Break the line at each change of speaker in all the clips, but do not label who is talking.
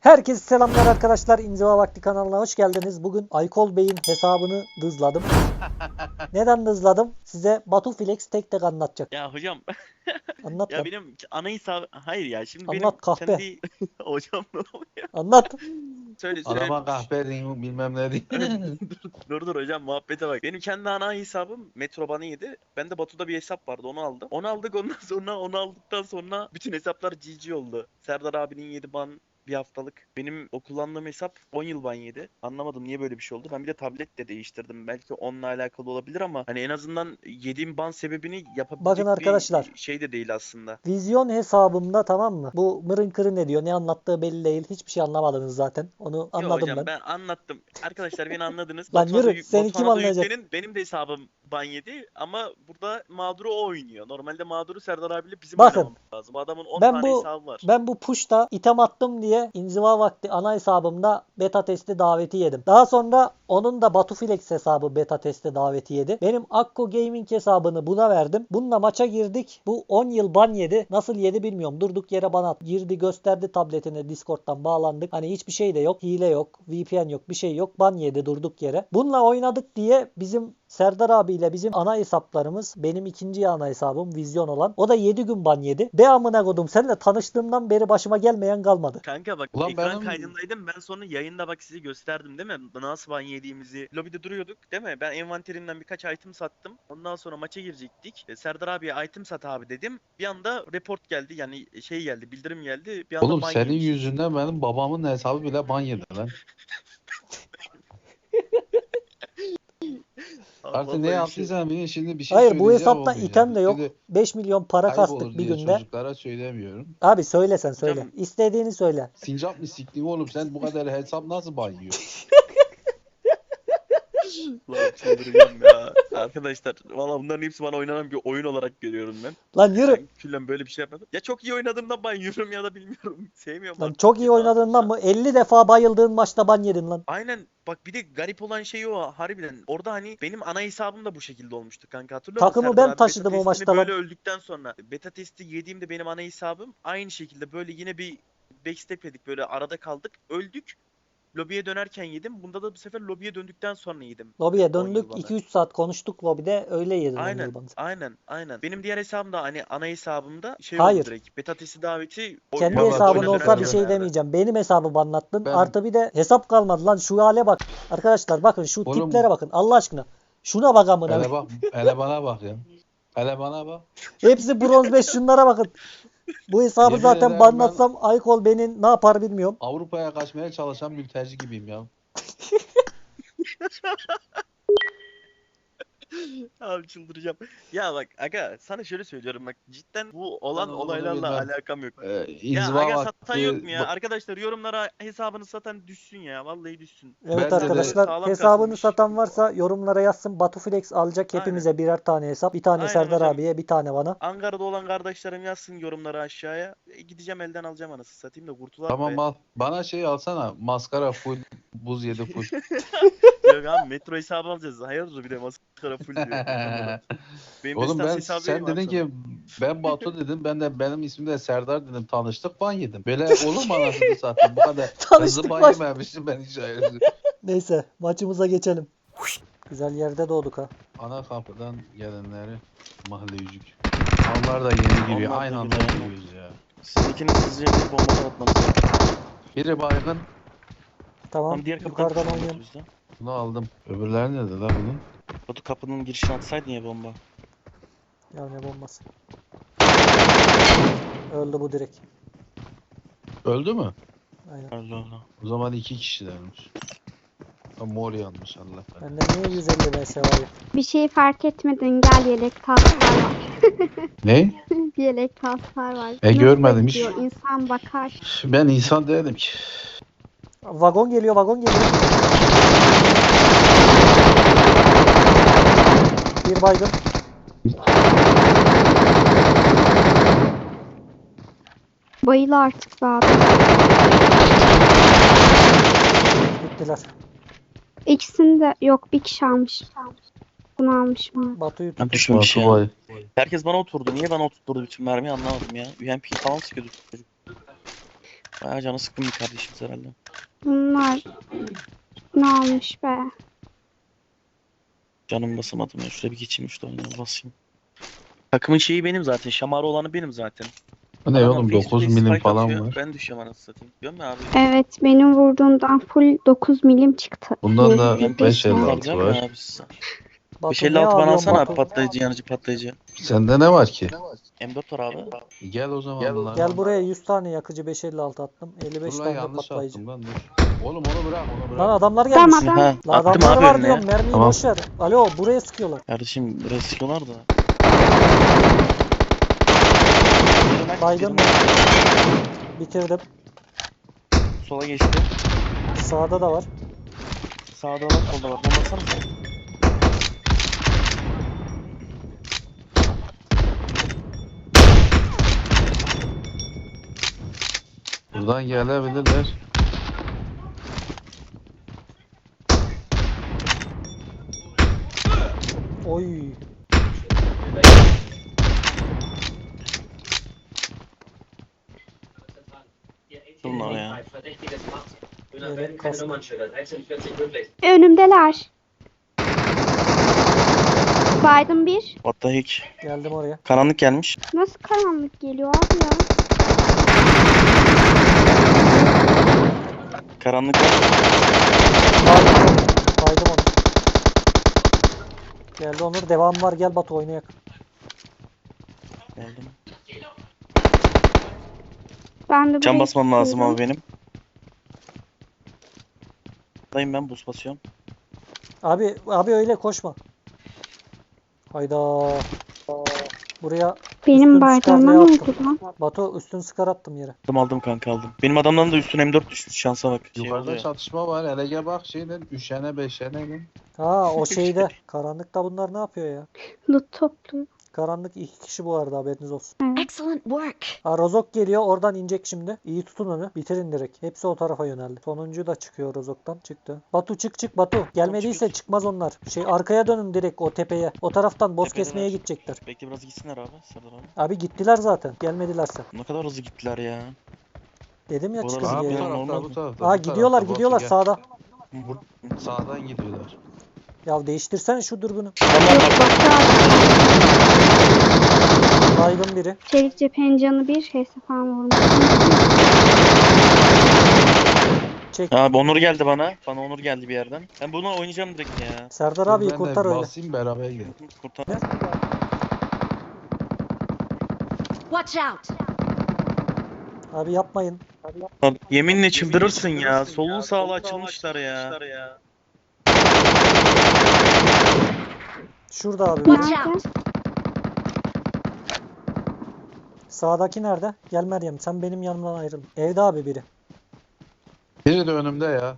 Herkese selamlar arkadaşlar. İnziva Vakti kanalına hoş geldiniz. Bugün Aykol Bey'in hesabını dızladım. Neden dızladım? Size Batuflex tek tek anlatacak.
Ya hocam
Anlat
ya
lan.
benim ana hesabı hayır ya şimdi benim
Anlat kahpe.
kendi hocam ne oluyor?
Anlat.
Söyle.
Adama kahpe diyeyim bilmem ne diyeyim.
Dur hocam muhabbete bak. Benim kendi ana hesabım Metroban'ı yedi. Bende Batu'da bir hesap vardı onu aldım. Onu aldık ondan sonra onu aldıktan sonra bütün hesaplar GG oldu. Serdar abinin 7 ban bir haftalık. Benim o kullandığım hesap 10 yıl ban yedi. Anlamadım niye böyle bir şey oldu. Ben bir de tablet de değiştirdim. Belki onunla alakalı olabilir ama hani en azından yediğim ban sebebini yapabilecek
Bakın arkadaşlar.
bir şey de değil aslında.
Vizyon hesabımda, tamam mı? Bu mırın kırın ne diyor? Ne anlattığı belli değil. Hiçbir şey anlamadınız zaten. Onu
Yo
anladım
hocam
ben.
ben anlattım. Arkadaşlar beni anladınız.
Lan
Batuhan'a
yürü, seni kim
Batuhan'a da
anlayacak?
yüklenin. Benim de hesabım ban yedi ama burada mağduru o oynuyor. Normalde mağduru Serdar abiyle bizim
Bakın,
oynamamız lazım. Adamın 10
Ben
tane
bu
hesabı var.
ben bu push'ta item attım diye inziva vakti ana hesabımda beta testi daveti yedim. Daha sonra onun da Batuflex hesabı beta testi daveti yedi. Benim Akko Gaming hesabını buna verdim. Bununla maça girdik. Bu 10 yıl ban yedi. Nasıl yedi bilmiyorum. Durduk yere bana girdi, gösterdi tabletine, Discord'dan bağlandık. Hani hiçbir şey de yok. Hile yok. VPN yok. Bir şey yok. Ban yedi durduk yere. Bununla oynadık diye bizim Serdar abiyle bizim ana hesaplarımız, benim ikinci ana hesabım Vizyon olan, o da 7 gün ban yedi. Be amına kodum, seninle tanıştığımdan beri başıma gelmeyen kalmadı.
Kanka bak
Ulan
ekran
benim-
kaydındaydım. Ben sonra yayında bak size gösterdim değil mi? Nasıl ban yediğimizi. Lobide duruyorduk değil mi? Ben envanterimden birkaç item sattım. Ondan sonra maça girecektik. Serdar abiye item sat abi dedim. Bir anda report geldi. Yani şey geldi, bildirim geldi. Bir anda
Oğlum
ban
senin
yemişiz.
yüzünden benim babamın hesabı bile ban yedi lan. Artık ne
Vallahi
yaptıysan bilin, şimdi bir şey
Hayır, bu
söyleyeceğim
hesapta
olmayacak.
item de yok.
Şimdi
5 milyon para
ayıp olur
kastık bir
diye
günde.
çocuklara söylemiyorum.
Abi söyle, sen söyle.
Hocam-
İstediğini söyle.
Sincap mı siktin oğlum, sen bu kadar hesap nasıl ban yiyor?
Lan çıldıracağım ya. Arkadaşlar valla bunların hepsi bana oynanan bir oyun olarak görüyorum ben.
Lan yürü.
Ben küllen böyle bir şey yapmadım. Ya çok iyi oynadığımdan ben yürürüm ya da bilmiyorum. Sevmiyorum
Lan
artık.
çok iyi oynadığından mı? 50 defa bayıldığın maçta ban yedin lan.
Aynen bak bir de garip olan şey o harbiden. Orada hani benim ana hesabım da bu şekilde olmuştu kanka, hatırlıyor musun?
Takımı
Serdar
ben
abi
taşıdım
beta
o
testini
maçta lan.
böyle öldükten sonra. Beta testi yediğimde benim ana hesabım aynı şekilde böyle yine bir backstep yedik, böyle arada kaldık, öldük. Lobiye dönerken yedim. Bunda da bu sefer lobiye döndükten sonra yedim.
Lobiye
10 yıl
döndük.
bana.
2-3 saat konuştuk lobide. Öyle yedin 10
Aynen,
yıl banı.
aynen. Benim diğer hesabım da hani ana hesabımda şey
Hayır.
oldu direkt. Beta testi daveti
Kendi
Vallahi
hesabın
çok
olsa bir
güzel
şey
yani.
demeyeceğim. Benim hesabımı anlattın.
Ben-
Artı bir de hesap kalmadı lan. Şu hale bak. Arkadaşlar bakın, şu
Oğlum-
tiplere bakın. Allah aşkına. Şuna bak amına.
Hele bak, hele bana bak ya. Hele bana bak.
Hepsi bronz 5, şunlara bakın. Bu hesabı
Yemin
zaten
ederim
banlatsam Aykol beni ne yapar bilmiyorum.
Avrupa'ya kaçmaya çalışan mülteci gibiyim ya.
Abi çıldıracağım. Ya bak aga sana şöyle söylüyorum bak, cidden bu olan
Ben onu
olaylarla
bilmem.
alakam yok. Ya
İnziva
aga satan yok mu
vakti.
ya? Arkadaşlar yorumlara hesabını satan düşsün ya. Vallahi düşsün.
Evet
Bence de
arkadaşlar,
sağlam
hesabını
kasılmış.
satan varsa yorumlara yazsın. Batuflex alacak hepimize birer tane hesap. Bir tane
Aynen
Serdar
hocam.
abiye, bir tane bana.
Ankara'da olan kardeşlerim yazsın yorumlara aşağıya. Gideceğim elden alacağım anasını satayım da kurtular
Tamam
be.
al. Bana şey alsana. Maskara full. Buz yedi full.
Yok abi metro hesabı alacağız. Hayırdır bir de maskara full diyor. Benim
Oğlum
destans
ben
hesabı
sen
vereyim abi
dedin
sana.
ki ben Batu dedim, ben de benim ismim de Serdar dedim, tanıştık ban yedim. Böyle olur mu anasını satayım, bu kadar
Tanıştık
hızlı ban
baş-
yememiştim ben hiç hayır.
Neyse, maçımıza geçelim. Güzel yerde doğduk ha.
Ana kapıdan gelenleri mahalleyicik. Onlar da yeni giriyor.
Onlar da
Aynı anda
giriyor.
giriyoruz ya.
Sizinkinin hızlıca bir bomba atmanız lazım.
Biri baygın,
Tamam,
Tam diğer kapıdan
yukarıdan
kapıdan
oynuyorum.
bizden.
bunu aldım. Öbürleri nerede la bunun?
Batu kapının girişine atsaydın ya bomba.
Ya ne bombası. Öldü bu direkt.
Öldü mü?
Aynen.
Allah Allah.
O zaman iki kişilermiş. Ha, mor yanmış Allah.
Bende niye 150 vs var ya?
Bir şey fark etmedin, gel yelek taslar var.
Ne?
Bir yelek taslar var.
Görmedim hiç.
gidiyor? İnsan bakar.
Ben insan değilim ki.
Vagon geliyor, vagon geliyor. Bir baygın.
Bayıl artık be abi.
Bittiler.
İkisini de yok, bir kişi almış. Bunu almış mı?
Batu'yu
Ben
tut.
düşmemiş
Batu
ya.
bay.
Herkes bana oturdu. Niye bana oturtturdu bütün mermiyi anlamadım ya. UMP falan sıkıyordu çocuk. Bayağı canı sıkkın bir kardeşimiz herhalde.
Bunlar ne olmuş be?
Canım basamadım ya. Şuraya bir geçeyim, şurada oynayalım, basayım. Takımın şeyi benim zaten. Şamarı olanı benim zaten.
Bu ne
Adamlar
oğlum,
face to
9
face
milim
fight
falan
atıyor.
var.
Ben düşüyorum anasını satayım. Biliyor musun abi?
Evet, benim vurduğumdan full 9 milim çıktı.
Bundan da
Ben
Bir
5.56
alacağım
var.
ya abi size.
Batu ne
556 bana
alıyorsun
alsana abi,
Batu?
patlayıcı, yanıcı patlayıcı.
Sende ne var ki?
M4 var abi.
Gel o zaman bunlar.
Gel buraya 100 tane yakıcı 556 attım. 55
Dur lan,
tane de
yanlış
patlayıcı.
attım lan, dur. Oğlum onu bırak, onu
Lan
bırak.
adamlar
Tamam
gelmiş.
adam.
Ha,
La
attım
adamları
abi
var
önüne.
diyorum, mermiyi
Tamam.
boş ver. Alo, buraya sıkıyorlar.
Kardeşim buraya sıkıyorlar da.
Baygın mı? Bitirdim.
Sola geçti.
Sağda da var.
Sağda var, solda var. Bombasana sen.
Buradan gelebilirler.
Oy.
Bunlar ya.
Evet, kask.
Önümdeler. Biden bir.
What the heck.
Geldim oraya.
Karanlık gelmiş.
Nasıl karanlık geliyor abi ya?
Karanlık var.
Baydım onu. Baydım onu. Geldi Onur. Devam var. Gel Batu oynayak.
Geldim.
Ben de
Can
buraya
basmam lazım
tutuyorum.
abi benim. Dayım ben buz basıyorum.
Abi öyle koşma. Hayda. Buraya
Benim
üstün
bardağıma
skarlayı
ne
attım.
oldu lan?
Batu üstün skar attım yere.
Aldım kanka, aldım. Benim adamdan da üstün M4 düşmüş, şansa bak. Şey
Yukarıda
oluyor.
çatışma var. Hele gel bak şeyden, üşene beşene mi?
Ha o şeyde. Karanlıkta bunlar ne yapıyor ya?
Loot topluyor.
Karanlık 2 kişi bu arada, haberiniz olsun.
Excellent work.
Ha, Rozok geliyor, oradan inecek şimdi. İyi tutun onu. Bitirin direkt. Hepsi o tarafa yöneldi. Sonuncu da çıkıyor Rozok'tan. Çıktı. Batu çık Batu. Gelmediyse çıkmaz onlar. Arkaya dönün direkt o tepeye. O taraftan boss
Tepedeler.
kesmeye gidecekler.
Bekle biraz gitsinler abi. Serdar abi.
Abi gittiler zaten. Gelmedilerse.
Ne kadar hızlı gittiler ya.
Dedim ya
Bu
çıkın
arada
Aa, bu
diye.
benim
tarafta,
normal.
bu tarafta.
Aa
bu
gidiyorlar
tarafta.
gidiyorlar
Batu,
sağda.
gel. Sağdan gidiyorlar.
Ya değiştirsene şu dürbünü.
Adamlar
Yok
bak.
Batu abi.
Baygın biri.
Çelik cephenin canı bir şeyse falan vurmuş.
Çek.
Abi Onur geldi bana. Bana Onur geldi bir yerden. Ben bunu oynayacağım direkt ya.
Serdar
Dur,
abi
ben
kurtar
de
öyle.
basayım, beraber gidelim.
Kurtar.
Watch out.
Abi yapmayın.
Abi, yeminle çıldırırsın ya. Sollu sağlı açılmışlar ya.
Şurada abi.
Watch
Nerede?
out.
Sağdaki nerede? Gel Meryem, sen benim yanımdan ayrıl. Evde abi biri.
Biri de önümde ya.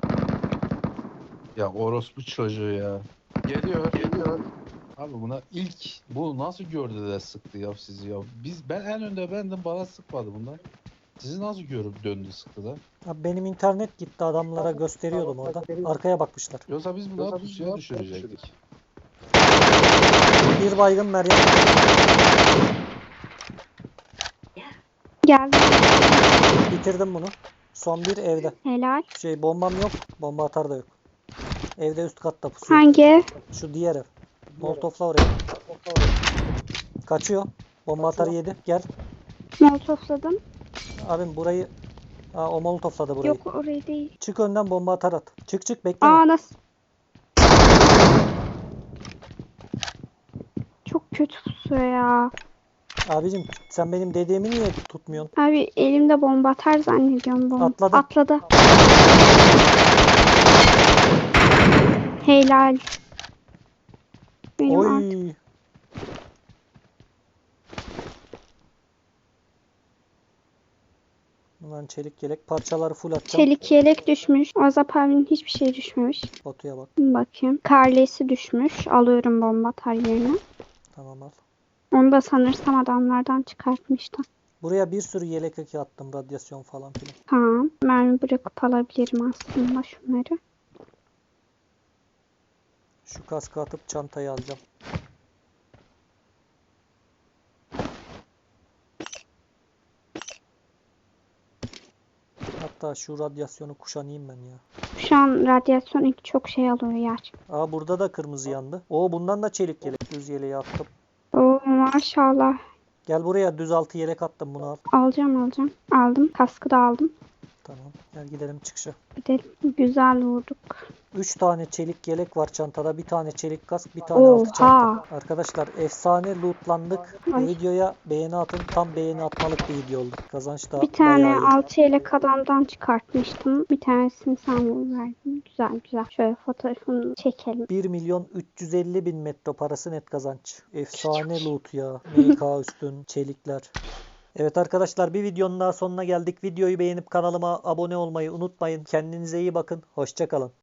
Ya orospu çocuğu ya. Geliyor. Abi buna bu nasıl gördü de sıktı ya sizi ya. Ben en önde bendim, bana sıkmadı bunlar. Sizi nasıl görüp döndü sıktı da.
Abi benim internet gitti, adamlara gösteriyordum orada. Arkaya bakmışlar.
Yoksa biz bunları pusuya düşürecektik.
Bir baygın Meryem.
Geldi.
Bitirdim bunu. Son bir evde.
Helal.
Bombam yok. Bomba atar da yok. Evde üst katta pusuyor.
Hangi ev?
Şu diğer ev. Molotofla oraya. Kaçıyor. Bomba atarı yedi. Gel.
Molotofladım.
Abim burayı... Aa, o molotofladı burayı.
Yok orayı değil.
Çık önden, bomba atar at. Çık bekleme.
Aa nasıl? Çok kötü pusuyor ya.
Abicim sen benim dediğimi niye tutmuyorsun?
Abi elimde bomba atar zannediyorum bomba.
Atladı.
Atladı. Helal. Benim artık
Oy. Ulan çelik yelek parçaları full atacağım.
çelik yelek düşmüş. Azap abinin hiçbir şey düşmemiş.
Batu'ya bak.
Bakayım. Karlesi düşmüş. Alıyorum bomba atar yerine.
Tamam al.
Onu da sanırsam adamlardan çıkartmıştım.
Buraya bir sürü yelek eki attım. Radyasyon falan filan.
Tamam. Mermi bırakıp alabilirim aslında şunları.
Şu kaskı atıp çantayı alacağım. Hatta şu radyasyonu kuşanayım ben ya.
Şu an radyasyon ilk çok şey alıyor yer.
Aa burada da kırmızı yandı. Oo bundan da çelik yelek. Düz yeleği attım.
Oo maşallah.
Gel buraya düz altı yelek attım, bunu al.
Alacağım. Aldım. Kaskı da aldım.
Tamam. Gel gidelim çıkışa.
Gidelim. Güzel vurduk.
3 tane çelik yelek var çantada. Bir tane çelik kask, bir tane altı
Oha.
çanta. Arkadaşlar efsane lootlandık. Bu
Ay.
videoya beğeni atın. Tam beğeni atmalık bir video oldu. Kazanç da
Bir tane
bayağı iyi.
6 yelek adamdan çıkartmıştım. Bir tanesini sen verdin. Güzel. Şöyle fotoğrafını çekelim.
1.350.000 metro parası net kazanç. Efsane loot ya. MK üstün, çelikler. Evet arkadaşlar, bir videonun daha sonuna geldik. Videoyu beğenip kanalıma abone olmayı unutmayın. Kendinize iyi bakın. Hoşça kalın.